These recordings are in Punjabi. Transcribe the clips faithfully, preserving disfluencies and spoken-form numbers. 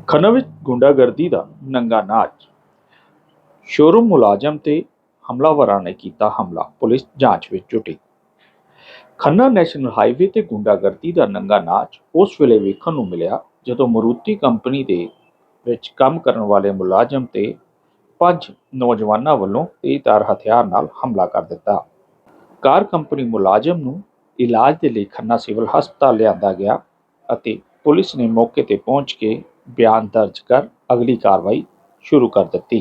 ਖੰਨਾ ਵਿੱਚ ਗੁੰਡਾਗਰਦੀ ਦਾ ਨੰਗਾ ਨਾਚ। ਸ਼ੋਰੂਮ ਮੁਲਾਜ਼ਮ ਤੇ ਹਮਲਾਵਰਾਂ ਨੇ ਕੀਤਾ ਹਮਲਾ, ਪੁਲਿਸ ਜਾਂਚ ਵਿੱਚ ਜੁਟੀ। ਖੰਨਾ ਨੈਸ਼ਨਲ ਹਾਈਵੇ ਤੇ ਗੁੰਡਾਗਰਦੀ ਦਾ ਨੰਗਾ ਨਾਚ ਉਸ ਵੇਲੇ ਵੇਖਣ ਨੂੰ ਮਿਲਿਆ ਜਦੋਂ ਮਰੂਤੀ ਕੰਪਨੀ ਦੇ ਵਿੱਚ ਕੰਮ ਕਰਨ ਵਾਲੇ ਮੁਲਾਜ਼ਮ ਤੇ ਪੰਜ ਨੌਜਵਾਨਾਂ ਵੱਲੋਂ ਤੇਜ਼ਧਾਰ ਹਥਿਆਰ ਨਾਲ ਹਮਲਾ ਕਰ ਦਿੱਤਾ। ਕਾਰ ਕੰਪਨੀ ਮੁਲਾਜ਼ਮ ਨੂੰ ਇਲਾਜ ਦੇ ਲਈ ਖੰਨਾ ਸਿਵਲ ਹਸਪਤਾਲ ਲਿਆਂਦਾ ਗਿਆ ਅਤੇ ਪੁਲਿਸ ਨੇ ਮੌਕੇ ਤੇ ਪਹੁੰਚ ਕੇ ਬਿਆਨ ਦਰਜ ਕਰ ਅਗਲੀ ਕਾਰਵਾਈ ਸ਼ੁਰੂ ਕਰ ਦਿੱਤੀ।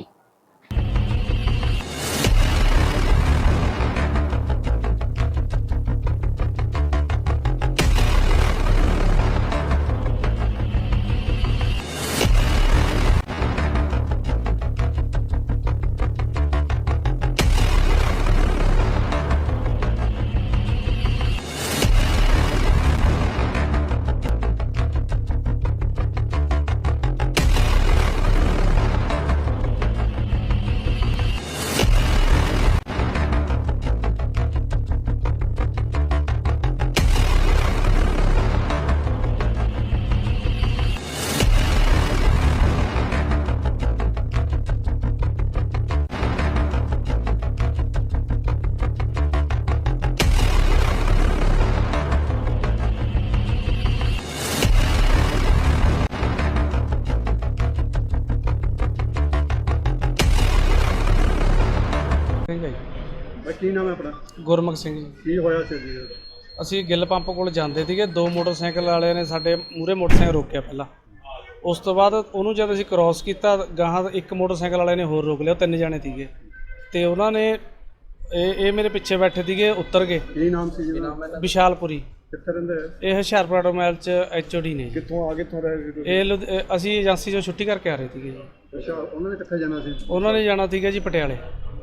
ਕੀ ਨਾਮ ਹੈ ਆਪਣਾ? ਗੁਰਮੁਖ ਸਿੰਘ ਜੀ। ਕੀ ਹੋਇਆ ਸੀ ਜੀ? ਅਸੀਂ ਗਿੱਲ ਪੰਪ ਕੋਲ ਜਾਂਦੇ ਸੀਗੇ, ਦੋ ਮੋਟਰਸਾਈਕਲ ਵਾਲਿਆਂ ਨੇ ਸਾਡੇ ਮੂਹਰੇ ਮੋਟਰਸਾਈਕਲ ਰੋਕਿਆ ਪਹਿਲਾਂ। ਉਸ ਤੋਂ ਬਾਅਦ ਉਹਨੂੰ ਜਦ ਅਸੀਂ ਕ੍ਰੋਸ ਕੀਤਾ, ਗਾਹਾਂ ਇੱਕ ਮੋਟਰਸਾਈਕਲ ਵਾਲੇ ਨੇ ਹੋਰ ਰੋਕ ਲਿਆ, ਤਿੰਨ ਜਾਣੇ ਸੀਗੇ ਤੇ ਉਹਨਾਂ ਨੇ ਇਹ ਇਹ ਮੇਰੇ ਪਿੱਛੇ ਬੈਠੇ ਸੀਗੇ, ਉਤਰ ਗਏ। ਕੀ ਨਾਮ ਸੀ ਜੀ? ਵਿਸ਼ਾਲਪੁਰੀ। ਕਿੱਥੇ ਰਹਿੰਦੇ ਆ ਇਹ ਹੁਸ਼ਿਆਰਪੁਰ ਆਟੋਮੋਬਾਈਲ ਚ ਐਚ ਓ ਡੀ ਨੇ। ਕਿੱਥੋਂ ਆ ਕਿੱਥੋਂ ਰਹੇ ਸੀ? ਇਹ ਲੁਧ- ਇਹ ਅਸੀਂ ਏਜੰਸੀ ਚੋਂ ਛੁੱਟੀ ਕਰਕੇ ਆ ਰਹੇ ਸੀਗੇ ਜੀ। ਅੱਛਾ, ਉਹਨਾਂ ਨੇ ਕਿੱਥੇ ਜਾਣਾ ਸੀ? ਉਹਨਾਂ ਨੇ ਜਾਣਾ ਸੀਗਾ ਜੀ ਪਟਿਆਲੇ।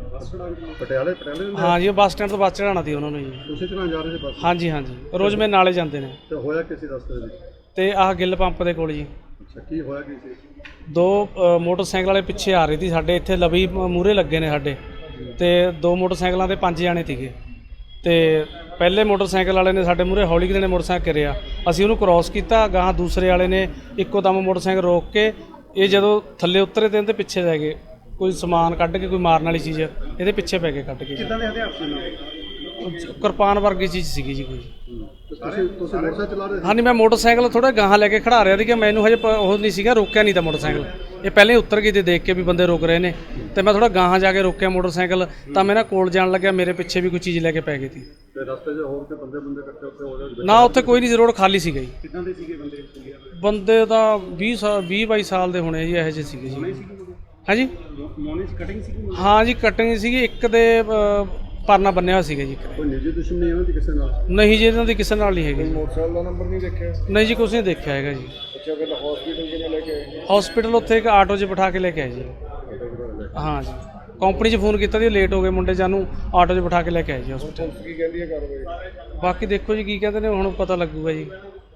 ਪਟਿਆਲੇ? ਪਟਿਆਲੇ ਰਹਿੰਦੇ? ਹਾਂ ਜੀ, ਉਹ ਬੱਸ ਸਟੈਂਡ ਤੋਂ ਬੱਸ ਚੜਾਉਣਾ ਸੀ ਉਹਨਾਂ ਨੂੰ ਜੀ। ਤੁਸੀਂ ਚੜਾਉਣ ਜਾ ਰਹੇ ਸੀ ਬੱਸ? ਹਾਂਜੀ ਹਾਂਜੀ, ਰੋਜ਼ ਮੇਰੇ ਨਾਲੇ ਜਾਂਦੇ ਨੇ। ਤੇ ਹੋਇਆ ਕਿਸੇ ਰਸਤੇ ਵਿੱਚ? ਤੇ ਆਹ ਗਿੱਲ ਪੰਪ ਦੇ ਕੋਲ ਜੀ। ਅੱਛਾ, ਕੀ ਹੋਇਆ ਕੀ ਸੀ? ਦੋ ਅ, ਮੋਟਰਸਾਈਕਲ ਵਾਲੇ ਪਿੱਛੇ ਆ ਰਹੇ ਸੀ ਸਾਡੇ, ਇੱਥੇ ਲਵੀ ਮੂਹਰੇ ਲੱਗੇ ਨੇ ਸਾਡੇ, ਤੇ ਦੋ ਮੋਟਰਸਾਈਕਲਾਂ ਦੇ ਪੰਜ ਜਾਣੇ ਸੀਗੇ। ਤੇ ਪਹਿਲੇ ਮੋਟਰਸਾਈਕਲ ਵਾਲੇ ਨੇ ਸਾਡੇ ਮੂਹਰੇ ਹੌਲੀ ਨੇ ਮੋਟਰਸਾਈਕਲ ਕਰਿਆ, ਅਸੀਂ ਉਹਨੂੰ ਕ੍ਰੋਸ ਕੀਤਾ, ਗਾਹਾਂ ਦੂਸਰੇ ਵਾਲੇ ਨੇ ਇੱਕੋ ਦਮ ਮੋਟਰਸਾਈਕਲ ਰੋਕ ਕੇ ਇਹ ਜਦੋਂ ਥੱਲੇ ਉਤਰੇ ਤੇ ਇਹਦੇ ਪਿੱਛੇ ਲੈ ਗਏ, ਕੋਈ ਸਮਾਨ ਕੱਢ ਕੇ, ਕੋਈ ਮਾਰਨ ਵਾਲੀ ਚੀਜ਼ ਇਹਦੇ ਪਿੱਛੇ ਪੈ ਕੇ ਕੱਢ ਕੇ। ਕਿੱਦਾਂ ਦੇ ਹਥਿਆਰ ਸੀ? ਕਿਰਪਾਨ ਵਰਗੀ ਚੀਜ਼ ਸੀਗੀ ਜੀ ਕੋਈ। ਤੁਸੀਂ ਤੁਸੀਂ ਮੋਟਰਸਾਈਕਲ ਚਲਾ ਰਹੇ ਸੀ? ਹਾਂਜੀ, ਮੈਂ ਮੋਟਰਸਾਈਕਲ ਥੋੜਾ ਗਾਹਾਂ ਲੈ ਕੇ ਖੜਾ ਰਿਹਾ ਸੀ ਕਿ ਮੈਨੂੰ ਹਜੇ ਪ- ਉਹ ਨਹੀਂ ਸੀਗਾ, ਰੋਕਿਆ ਨਹੀਂ ਤਾਂ ਮੋਟਰਸਾਈਕਲ। ਇਹ ਪਹਿਲੇ ਉਤਰ ਗਏ ਤੇ ਦੇਖ ਕੇ ਵੀ ਬੰਦੇ ਰੁਕ ਰਹੇ ਨੇ, ਤੇ ਮੈਂ ਥੋੜਾ ਗਾਹਾਂ ਜਾ ਕੇ ਰੋਕਿਆ ਮੋਟਰਸਾਈਕਲ, ਤਾਂ ਮੈਂ ਨਾ ਕੋਲ ਜਾਣ ਲੱਗਿਆ, ਮੇਰੇ ਪਿੱਛੇ ਵੀ ਕੋਈ ਚੀਜ਼ ਲੈ ਕੇ ਪੈ ਗਈ ਸੀ। ਤੇ ਰਸਤੇ 'ਚ ਹੋਰ ਤੇ ਬੰਦੇ ਬੰਦੇ ਇਕੱਠੇ ਉੱਤੇ ਹੋ ਗਏ? ਨਾ, ਉੱਥੇ ਕੋਈ ਨਹੀਂ ਸੀ, ਰੋਡ ਖਾਲੀ ਸੀਗਾ ਜੀ। ਕਿੱਦਾਂ ਦੇ ਸੀਗੇ ਬੰਦੇ? ਬੰਦੇ ਤਾਂ ਵੀਹ ਸਾਲ ਵੀਹ ਬਾਈ ਸਾਲ ਦੇ ਹੋਣੇ ਜੀ, ਇਹੋ ਜਿਹੇ ਸੀਗੇ ਜੀ। ਹਾਂਜੀ, ਮੋਨੀ ਕਟਿੰਗ ਸੀਗੀ? ਹਾਂ ਜੀ, ਕਟਿੰਗ ਸੀਗੀ, ਇੱਕ ਦੇ ਅ, ਪਰਨਾ ਬੰਨਿਆ ਹੋਇਆ ਸੀਗਾ ਜੀ। ਕੋਈ ਨਿੱਜੀ ਦੁਸ਼ਮਣੀ ਇਹਨਾਂ ਦੀ ਕਿਸੇ ਨਾਲ? ਨਹੀਂ ਜੀ, ਇਹਨਾਂ ਦੀ ਕਿਸੇ ਨਾਲ ਨਹੀਂ ਹੈਗੀ। ਮੋਟਰਸਾਈਕਲ ਦਾ ਨੰਬਰ ਨਹੀਂ ਦੇਖਿਆ? ਨਹੀਂ ਜੀ, ਕੁਛ ਨਹੀਂ ਦੇਖਿਆ ਹੈਗਾ ਜੀ। ਅੱਛਾ, ਫਿਰ ਹਸਪੀਟਲ ਕਿਵੇਂ ਲੈ ਕੇ ਆਏ? ਹਸਪੀਟਲ ਉੱਥੇ ਇੱਕ ਆਟੋ 'ਚ ਬਿਠਾ ਕੇ ਲੈ ਕੇ ਆਏ ਜੀ। ਹਾਂ ਜੀ, ਕੰਪਨੀ 'ਚ ਫੋਨ ਕੀਤਾ ਜੀ, ਲੇਟ ਹੋ ਗਏ ਮੁੰਡੇ, ਜਾਨੂੰ ਆਟੋ 'ਚ ਬਿਠਾ ਕੇ ਲੈ ਕੇ ਆਏ ਜੀ ਹਸਪੀਟਲ। ਕੀ ਕਹਿੰਦੀ ਹੈ ਕਾਰਵਾਈ? ਬਾਕੀ ਦੇਖੋ ਜੀ ਕੀ ਕਹਿੰਦੇ ਨੇ, ਹੁਣ ਪਤਾ ਲੱਗੂਗਾ ਜੀ।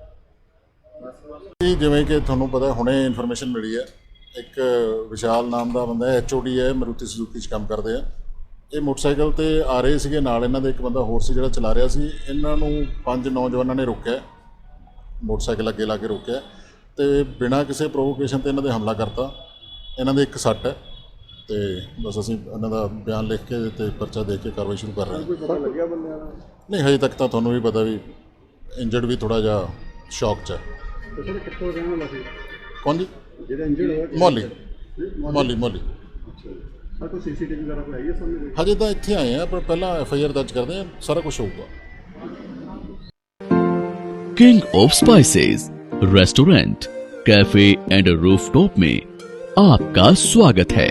ਜਿਵੇਂ ਕਿ ਤੁਹਾਨੂੰ ਪਤਾ ਹੁਣੇ ਇਨਫੋਰਮੇਸ਼ਨ ਮਿਲੀ ਹੈ, ਇੱਕ ਵਿਸ਼ਾਲ ਨਾਮ ਦਾ ਬੰਦਾ ਐਚ ਓ ਡੀ ਹੈ, ਮਾਰੂਤੀ ਸੁਜ਼ੂਕੀ 'ਚ ਕੰਮ ਕਰਦੇ ਆ। ਇਹ ਮੋਟਰਸਾਈਕਲ ਤੇ ਆ ਰਹੇ ਸੀਗੇ, ਨਾਲ ਇਹਨਾਂ ਦੇ ਇੱਕ ਬੰਦਾ ਹੋਰ ਸੀ ਜਿਹੜਾ ਚਲਾ ਰਿਹਾ ਸੀ। ਇਹਨਾਂ ਨੂੰ ਪੰਜ ਨੌਜਵਾਨਾਂ ਨੇ ਰੋਕਿਆ, ਮੋਟਰਸਾਈਕਲ ਅੱਗੇ ਲਾ ਕੇ ਰੋਕਿਆ ਤੇ ਬਿਨਾਂ ਕਿਸੇ ਪ੍ਰੋਵੋਕੇਸ਼ਨ ਤੇ ਇਹਨਾਂ ਦੇ ਹਮਲਾ ਕਰਤਾ। ਇਹਨਾਂ ਦੇ ਇੱਕ ਸੱਟ ਹੈ ਤੇ ਬਸ ਅਸੀਂ ਇਹਨਾਂ ਦਾ ਬਿਆਨ ਲਿਖ ਕੇ ਤੇ ਪਰਚਾ ਦੇ ਕੇ ਕਾਰਵਾਈ ਸ਼ੁਰੂ ਕਰ ਰਹੇ ਹਾਂ। ਕੋਈ ਪਤਾ ਲੱਗਿਆ ਬੰਦਿਆਂ ਦਾ? ਨਹੀਂ, ਹਜੇ ਤੱਕ ਤਾਂ ਤੁਹਾਨੂੰ ਵੀ ਪਤਾ ਵੀ ਇੰਜਰਡ ਵੀ ਥੋੜ੍ਹਾ ਜਿਹਾ ਸ਼ੌਕ 'ਚ ਹੈ। ਤੁਸੀਂ ਕਿੱਥੋਂ ਰਹਿਣ ਵਾਲਾ ਸੀ? ਕੌਣ ਜੀ? ਜਿਹੜਾ ਇੰਜਰਡ ਹੋਇਆ? ਮੌਲੀ ਮੌਲੀ ਮੌਲੀ ਅੱਛਾ, ਸਰ ਕੋਈ ਸੀਸੀਟੀਵੀ ਵਗੈਰਾ ਕੋਈ ਆਈ ਹੈ ਸਾਹਮਣੇ? ਹਜੇ ਤਾਂ ਇੱਥੇ ਆਏ ਆ, ਪਰ ਪਹਿਲਾਂ ਐਫ ਆਈ ਆਰ ਦਰਜ ਕਰਦੇ ਆ, ਸਾਰਾ ਕੁਝ ਹੋਊਗਾ। King of spices restaurant, cafe and rooftop में आपका स्वागत है।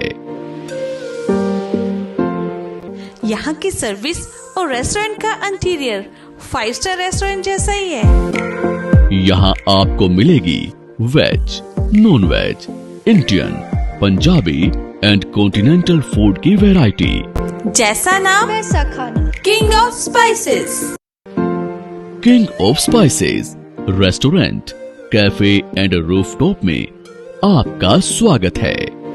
यहाँ की सर्विस और रेस्टोरेंट का इंटीरियर फाइव स्टार रेस्टोरेंट जैसा ही है। यहाँ आपको मिलेगी veg, non veg, Indian, Punjabi and continental food की वैरायटी। जैसा नाम वैसा खाना। King of spices. King of spices restaurant, cafe and rooftop में आपका स्वागत है।